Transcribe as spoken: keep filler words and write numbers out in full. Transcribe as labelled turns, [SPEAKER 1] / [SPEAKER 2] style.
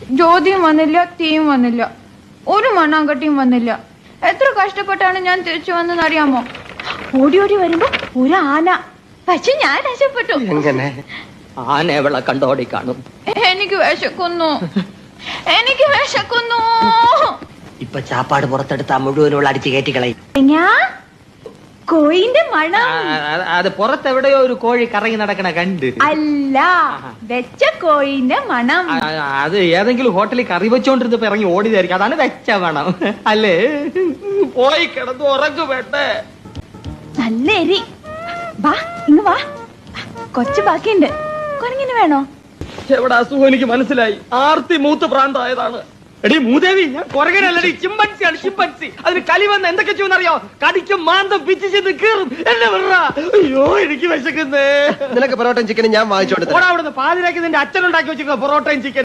[SPEAKER 1] ജ്യോതിയും വന്നില്ല, തീയും വന്നില്ല, ഒരു മണ്ണാങ്കട്ടിയും വന്നില്ല. എത്ര കഷ്ടപ്പെട്ടാണ് ഞാൻ തിരിച്ചു വന്നെന്ന് അറിയാമോ? ഓടി ഓടി വരുമ്പോ ഒരു ആന. പക്ഷെ ഞാൻ രക്ഷപ്പെട്ടു.
[SPEAKER 2] ആന എവളെ കണ്ടോടി കാണും.
[SPEAKER 1] എനിക്ക് വിശക്കുന്നു, എനിക്ക് വിശക്കുന്നു.
[SPEAKER 2] ഇപ്പൊ ചാപ്പാട് പുറത്തെടുത്താ മുഴുവനുള്ള അടിച്ച് കയറ്റിക്കളയും.
[SPEAKER 1] കോഴിന്റെ മണം.
[SPEAKER 2] അത് പുറത്തെവിടെയോ ഒരു കോഴി കറങ്ങി നടക്കണ കണ്ട്.
[SPEAKER 1] അല്ല, വെച്ച കോഴിന്റെ മണം.
[SPEAKER 2] അത് ഏതെങ്കിലും ഹോട്ടലിൽ കറി വെച്ചോണ്ടിരുന്നപ്പോ ഇറങ്ങി ഓടിയതായിരിക്കും. അതാണ് വെച്ച മണം അല്ലേ? പോയി കിടന്ന് ഉറങ്ങു വേണ്ടേ?
[SPEAKER 1] നല്ല എരി. വാ ഇങ്ങ് വാ, കൊച്ചു ബാക്കിയുണ്ട്. കുരങ്ങിന് വേണോ?
[SPEAKER 2] എവിടെ അസുഖം എനിക്ക് മനസ്സിലായി. ആർത്തി മൂത്ത് പ്രാന്തായതാണ്. എടി മൂദേവി, ഞാൻ കുരങ്ങനല്ലടി, ചിമ്പൻസിയാണ്, ചിമ്പൻസി. അതിന് കലി വന്ന് എന്തൊക്കെ ചെയ്യുന്നറിയോ? കടിക്കും, മാന്തം, പിച്ച് ചെയ്ത് കീറും. എന്നെ വിടറാ. അയ്യോ എനിക്ക് വിശക്കുന്നേ.
[SPEAKER 3] നിനക്ക് പൊറോട്ടയും ചിക്കനും ഞാൻ വാങ്ങിച്ചോണ്ട്
[SPEAKER 2] അവിടുന്ന് പാതിരാക്കി നിന്റെ അച്ഛനുണ്ടാക്കി വെച്ചിരിക്കുന്ന പൊറോട്ടയും ചിക്കൻ